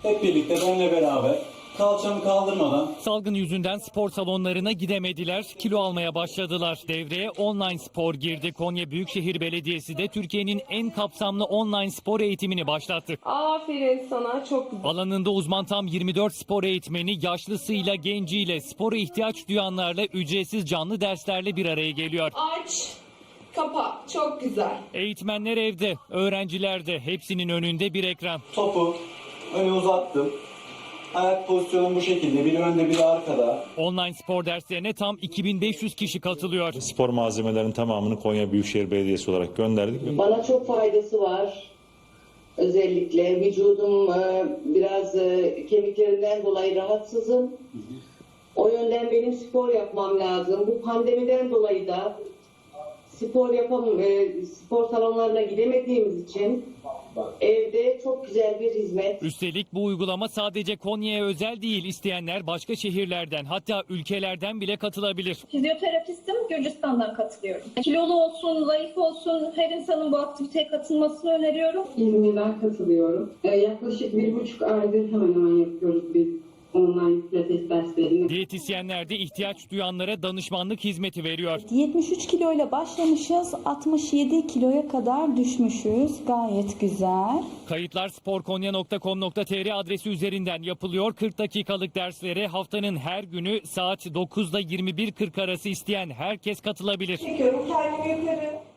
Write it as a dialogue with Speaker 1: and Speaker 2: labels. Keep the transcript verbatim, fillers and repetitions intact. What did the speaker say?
Speaker 1: hep birlikte benimle beraber kalçamı kaldırmadan.
Speaker 2: Salgın yüzünden spor salonlarına gidemediler, kilo almaya başladılar. Devreye online spor girdi. Konya Büyükşehir Belediyesi de Türkiye'nin en kapsamlı online spor eğitimini başlattı.
Speaker 3: Aferin sana, çok güzel.
Speaker 2: Alanında uzman tam yirmi dört spor eğitmeni yaşlısıyla genciyle spora ihtiyaç duyanlarla ücretsiz canlı derslerle bir araya geliyor.
Speaker 3: Aç, kapa, çok güzel.
Speaker 2: Eğitmenler evde, öğrenciler de, hepsinin önünde bir ekran.
Speaker 1: Topu öne uzattım. Ayak pozisyonum bu şekilde. Biri önde, biri arkada.
Speaker 2: Online spor derslerine tam iki bin beş yüz kişi katılıyor.
Speaker 4: Spor malzemelerinin tamamını Konya Büyükşehir Belediyesi olarak gönderdik.
Speaker 5: Bana çok faydası var. Özellikle vücudum e, biraz e, kemiklerinden dolayı rahatsızım. O yönden benim spor yapmam lazım. Bu pandemiden dolayı da spor yapam, e, spor salonlarına gidemediğimiz için evde çok güzel bir hizmet.
Speaker 2: Üstelik bu uygulama sadece Konya'ya özel değil, isteyenler başka şehirlerden hatta ülkelerden bile katılabilir.
Speaker 6: Fizyoterapistim, Gürcistan'dan katılıyorum. Kilolu olsun, zayıf olsun, her insanın bu aktiviteye katılmasını öneriyorum.
Speaker 7: İzmir'den katılıyorum. Ee, yaklaşık bir buçuk aydır hemen hemen yapıyoruz biz online pilates derslerini.
Speaker 2: Diyetisyenler de ihtiyaç duyanlara danışmanlık hizmeti veriyor.
Speaker 8: yetmiş üç kiloyla başlamışız, altmış yedi kiloya kadar düşmüşüz. Gayet güzel.
Speaker 2: Kayıtlar sporkonya nokta com nokta tr adresi üzerinden yapılıyor. kırk dakikalık derslere haftanın her günü saat dokuzda yirmi bir kırk arası isteyen herkes katılabilir.
Speaker 3: Çekiyorum kendimi yukarı.